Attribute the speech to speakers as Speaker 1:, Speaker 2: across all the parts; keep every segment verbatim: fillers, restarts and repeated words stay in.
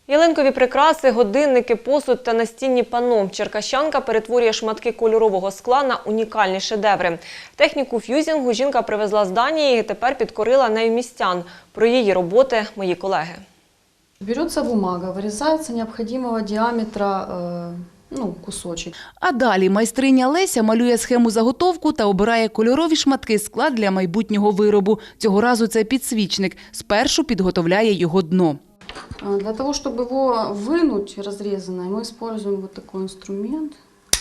Speaker 1: Ялинкові прикраси, годинники, посуд та настінні панно. Черкащанка перетворює шматки кольорового скла на унікальні шедеври. Техніку ф'юзінгу жінка привезла з Данії і тепер підкорила нею містян. Про її роботи – мої колеги.
Speaker 2: Берется бумага, вырезается необходимого диаметра э, ну, кусочек.
Speaker 3: А далі майстриня Леся малює схему заготовку та обирає кольорові шматки скла для майбутнього виробу. Цього разу це підсвічник. Спершу підготовляє його дно.
Speaker 2: Для того, чтобы его вынуть разрезанное, мы используем вот такой инструмент.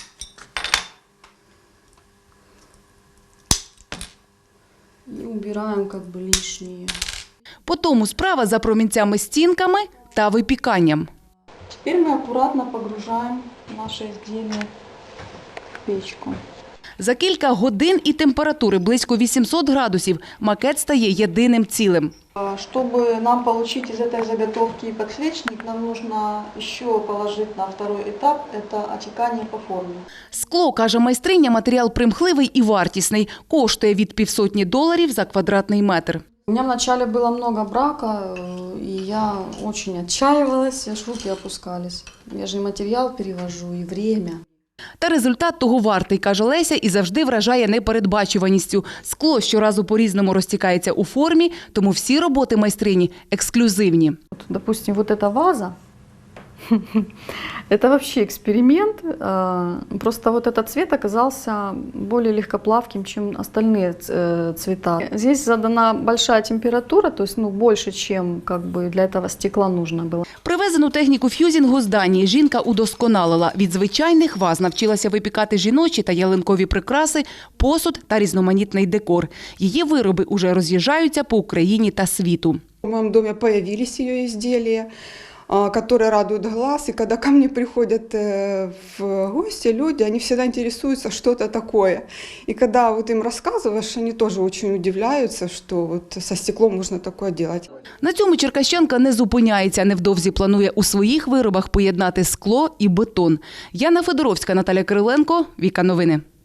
Speaker 2: И убираем как бы лишнее.
Speaker 3: Потому справа за промінцями-стінками та випіканням.
Speaker 4: Теперь мы аккуратно погружаем наше изделие в печку.
Speaker 3: За кілька годин і температури близько вісімсот градусів макет стає єдиним цілим.
Speaker 4: Чтобы нам получить из этой заготовки подсвечник, нам нужно еще положить на второй этап – это отекание по форме.
Speaker 3: Скло, каже майстриня, матеріал примхливий і вартісний. Коштує від півсотні доларів за квадратний метр.
Speaker 2: У меня вначале было много брака, и я очень отчаивалась, аж руки опускались. Я же и материал перевожу, и время.
Speaker 3: Та результат того вартий, каже Леся, і завжди вражає непередбачуваністю. Скло щоразу по-різному розтікається у формі, тому всі роботи майстрині ексклюзивні.
Speaker 2: Допустим, вот эта ваза, это вообще эксперимент. Просто вот этот цвет оказался более легкоплавким, чем остальные цвета. Здесь задана большая температура, то есть ну, больше, чем как бы для этого стекла нужно было.
Speaker 3: Привезену техніку ф'юзінгу з Данії жінка удосконалила. Від звичайних ваз навчилася випікати жіночі та ялинкові прикраси, посуд та різноманітний декор. Її вироби уже роз'їжджаються по Україні та світу.
Speaker 5: В моем доме появились ее изделия, которые радуют глаз. И когда ко мне приходят в гости люди, они всегда интересуются, что это такое. И когда вот им рассказываешь, они тоже очень удивляются, что вот со стеклом можно такое делать.
Speaker 3: На цьому черкащанка не зупиняється. Невдовзі планує у своїх виробах поєднати скло і бетон. Яна Федоровська, Наталя Кириленко, Віка Новини.